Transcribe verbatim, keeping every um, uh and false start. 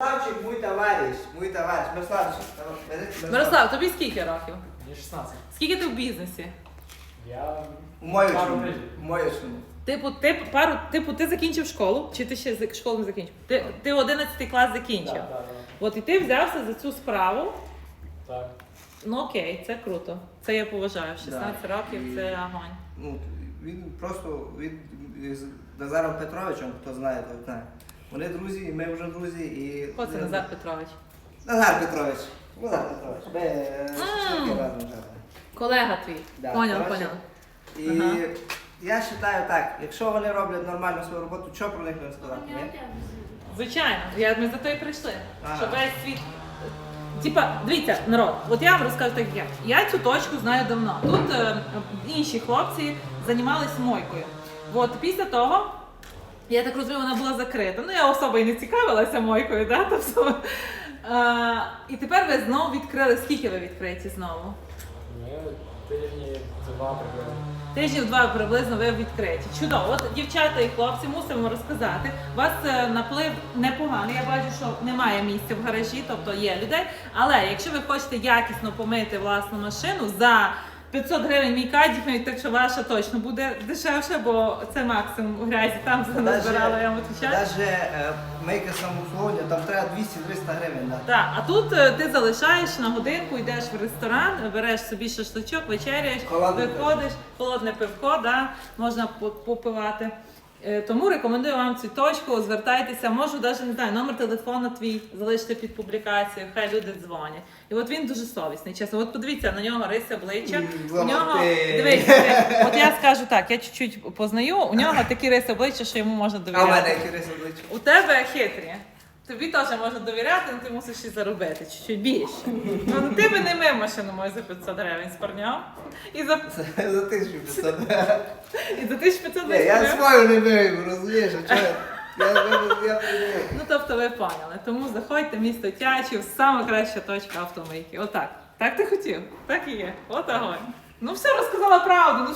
Мирославчик, мій товариш, мій товариш. Мирославчик. Мирослав, тобі скільки років? Мені шістнадцять. Скільки ти в бізнесі? Я У моєчому. пару тижнів. У моєчому. Типу, ти пару, типу, ти закінчив школу, чи ти ще за- школу не закінчив? Ти, ти одинадцятий клас закінчив. Так, так, От і ти взявся за цю справу. так. Ну окей, це круто. Це я поважаю. шістнадцять років І- це огонь. Ну, він просто він з Назаром Петровичем, хто знає, то знає. Вони друзі, і ми вже друзі. І... Хто це Назар Петрович? Назар Петрович. Назар Петрович. Ми е, М. шашлики разом жили. Колега твій. Да, Поняла, коротше, поняла. І Ага. я вважаю так, якщо вони роблять нормально свою роботу, що про них не сказати? Ні? Звичайно, я, ми за то і прийшли. Ага. Що весь світ. Типа, дивіться, народ, от я вам розкажу так, як я. Я цю точку знаю давно. Тут е, інші хлопці займалися мойкою. От після того, я так розумію, вона була закрита. Ну, я особо і не цікавилася мойкою, да? Тобто, е, і тепер ви знову відкрили. Скільки ви відкриті знову? Ми тижні два приблизно. Тижнів два приблизно ви відкриті. Чудово. От дівчата і хлопці мусимо розказати. У вас е, наплив непоганий. Я бачу, що немає місця в гаражі, тобто є людей. Але якщо ви хочете якісно помити власну машину за п'ятсот гривень мій кадік, так що ваша точно буде дешевше, бо це максимум грязі там назбирала, я вам відповідаю. Навіть е, мейка самообслуговування, там треба двісті-триста гривень. Да. Так, а тут е, ти залишаєш на годинку, йдеш в ресторан, береш собі шашличок, вечеряєш, Холодне виходиш, холодне пивко, да, можна по- попивати. Е, Тому рекомендую вам цю точку, звертайтеся, можу навіть, не знаю, номер телефону твій залишити під публікацією, хай люди дзвонять. І от він дуже совісний, чесно. От подивіться на нього риси обличчя. М, У нього, зламати. дивіться, от я скажу так, я чуть-чуть познаю, у нього такі риси обличчя, що йому можна А в довіряти. мене які риси обличчя? У тебе хитрі. Тобі теж можна довіряти, але ти мусиш і заробити чуть-чуть більше. Ну ти би не мив машину мою за п'ятсот гривень з парнем. І за, За тисячу п'ятсот. і за тисячу п'ятсот Ні, я гривень. свою не вивів, розумієш, а чого? Я, я, я, я, Ну тобто ви поняли. Тому заходьте в місто Тячів, сама краща точка автомийки. Отак. Так ти хотів? Так і є. От огонь. Ну все, розказала правду. Ну,